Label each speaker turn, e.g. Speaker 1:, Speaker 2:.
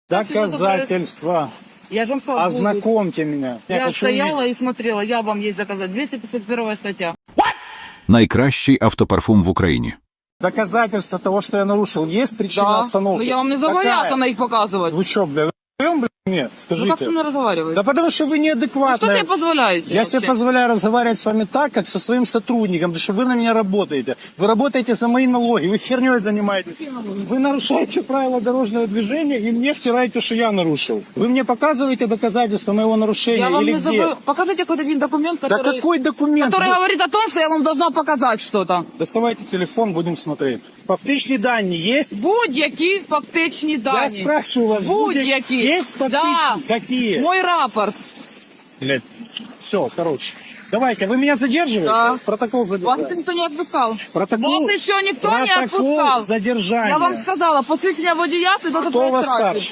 Speaker 1: Доказательства.
Speaker 2: Я же вам сказала, будут.
Speaker 1: Ознакомьте меня.
Speaker 2: Я
Speaker 1: хочу
Speaker 2: стояла и смотрела, я вам есть заказать. 251 статья.
Speaker 3: Найкращий автопарфум в Україні.
Speaker 1: Доказательства того, что я нарушил. Есть причина остановки?
Speaker 2: Но я вам не
Speaker 1: Какая?
Speaker 2: зобовязана их показывать.
Speaker 1: Вы что, бля, блядь, нет,
Speaker 2: Вы
Speaker 1: скажите.
Speaker 2: как со мной разговариваете?
Speaker 1: Да потому что вы
Speaker 2: Вы
Speaker 1: неадекватны.
Speaker 2: что себе позволяете?
Speaker 1: Я
Speaker 2: вообще?
Speaker 1: себе позволяю разговаривать с вами так, как со своим сотрудником, потому что вы на меня работаете. Вы работаете за мои налоги, вы херней занимаетесь. Вы нарушаете правила дорожного движения и мне втираете, что я нарушил. Вы мне показываете доказательства моего нарушения
Speaker 2: Я вам
Speaker 1: или
Speaker 2: не
Speaker 1: где?
Speaker 2: забыл. Покажите какой-то один документ,
Speaker 1: Да
Speaker 2: который,
Speaker 1: какой документ?
Speaker 2: который
Speaker 1: Вы-
Speaker 2: говорит о том, что я вам должна показать что-то.
Speaker 1: Доставайте телефон, будем смотреть. Фактичные данные есть?
Speaker 2: Будь-які фактичні
Speaker 1: Я
Speaker 2: дані.
Speaker 1: спрашиваю вас,
Speaker 2: Будь-які.
Speaker 1: есть фактичные?
Speaker 2: Да.
Speaker 1: Какие?
Speaker 2: Мой рапорт.
Speaker 1: Блядь. Все, короче. Давайте, вы меня задерживаете?
Speaker 2: Да.
Speaker 1: Протокол
Speaker 2: Вас
Speaker 1: задержания.
Speaker 2: никто не отпускал.
Speaker 1: Протокол,
Speaker 2: Вас еще никто не
Speaker 1: протокол
Speaker 2: отпускал.
Speaker 1: задержания.
Speaker 2: Я вам сказала, посвідчення водія, це до
Speaker 1: Кто у вас
Speaker 2: штрафів.
Speaker 1: старше?